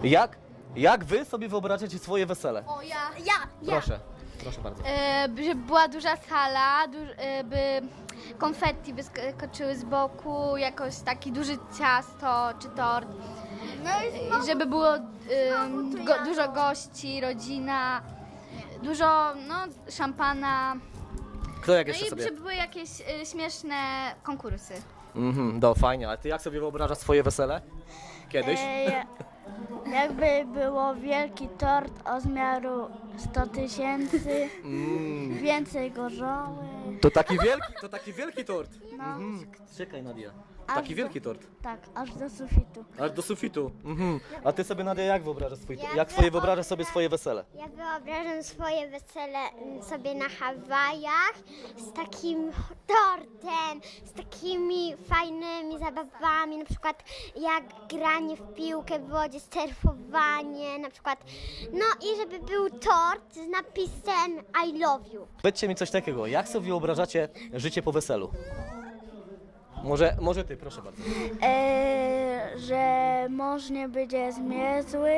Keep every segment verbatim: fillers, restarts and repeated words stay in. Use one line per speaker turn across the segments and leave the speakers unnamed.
Jak, jak wy sobie wyobrażacie swoje wesele?
O, ja. Ja, ja.
Proszę, proszę bardzo.
E, żeby była duża sala, duż, e, by konfetti wyskoczyły z boku, jakoś taki duży ciasto czy tort.
No i znowu,
Żeby było e,
Znowu to
go,
ja.
dużo gości, rodzina, dużo no, szampana.
Kto jak
No
jeszcze
i
sobie?
żeby były jakieś e, śmieszne konkursy.
Mhm, no fajnie, a ty jak sobie wyobrażasz swoje wesele? Kiedyś?
e, jakby było wielki tort o zmiaru sto tysięcy,
Mm,
więcej gorzoły.
to taki wielki, to taki wielki tort.
No,
Mhm. Czekaj Nadia,
Aż
taki
do-
wielki tort.
tak, aż do sufitu.
Aż do sufitu. Mhm. A ty sobie Nadia jak wyobrażasz swój,
Ja
jak swoje
wyobrażam-
wyobrażasz sobie swoje wesele?
Ja wyobrażam swoje wesele mm, sobie na Hawajach z takim tortem, z takimi fajnymi zabawami, na przykład jak granie w piłkę w wodzie, surfowanie, na przykład. No i żeby był tort z napisem I love you.
Powiedzcie mi coś takiego, jak sobie wyobrażacie życie po weselu? Może, może ty, proszę bardzo.
E, że mąż nie będzie zmierzły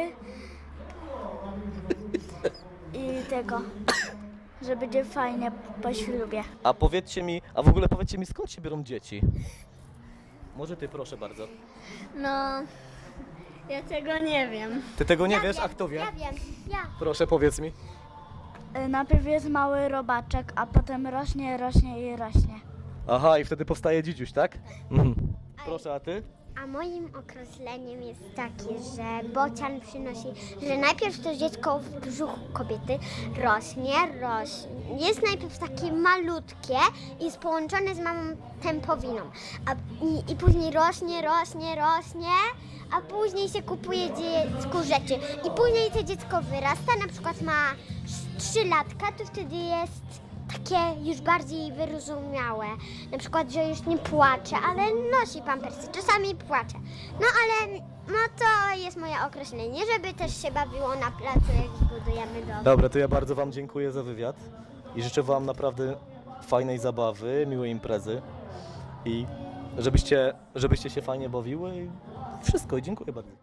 i tego, że będzie fajnie po ślubie.
A powiedzcie mi, a w ogóle powiedzcie mi, skąd się biorą dzieci? Może ty, proszę bardzo.
No, ja tego nie wiem.
Ty tego nie
Ja
wiesz,
wiem,
a kto wie?
Ja wiem, ja.
Proszę, powiedz mi.
E, najpierw jest mały robaczek, a potem rośnie, rośnie i rośnie.
Aha, i wtedy powstaje dzidziuś, tak? Mhm. Proszę, a ty?
A moim określeniem jest takie, że bocian przynosi, że najpierw to dziecko w brzuchu kobiety rośnie, rośnie. Jest najpierw takie malutkie i jest połączone z mamą tępowiną. A, i, I później rośnie, rośnie, rośnie, a później się kupuje dziecku rzeczy. I później to dziecko wyrasta, na przykład ma trzy latka, to wtedy jest takie już bardziej wyrozumiałe. Na przykład, że już nie płacze, ale nosi pampersy. Czasami płacze. No ale no to jest moje określenie, żeby też się bawiło na placu, jak budujemy dom.
Dobra, to ja bardzo wam dziękuję za wywiad i życzę wam naprawdę fajnej zabawy, miłej imprezy i żebyście, żebyście się fajnie bawiły i wszystko. I dziękuję bardzo.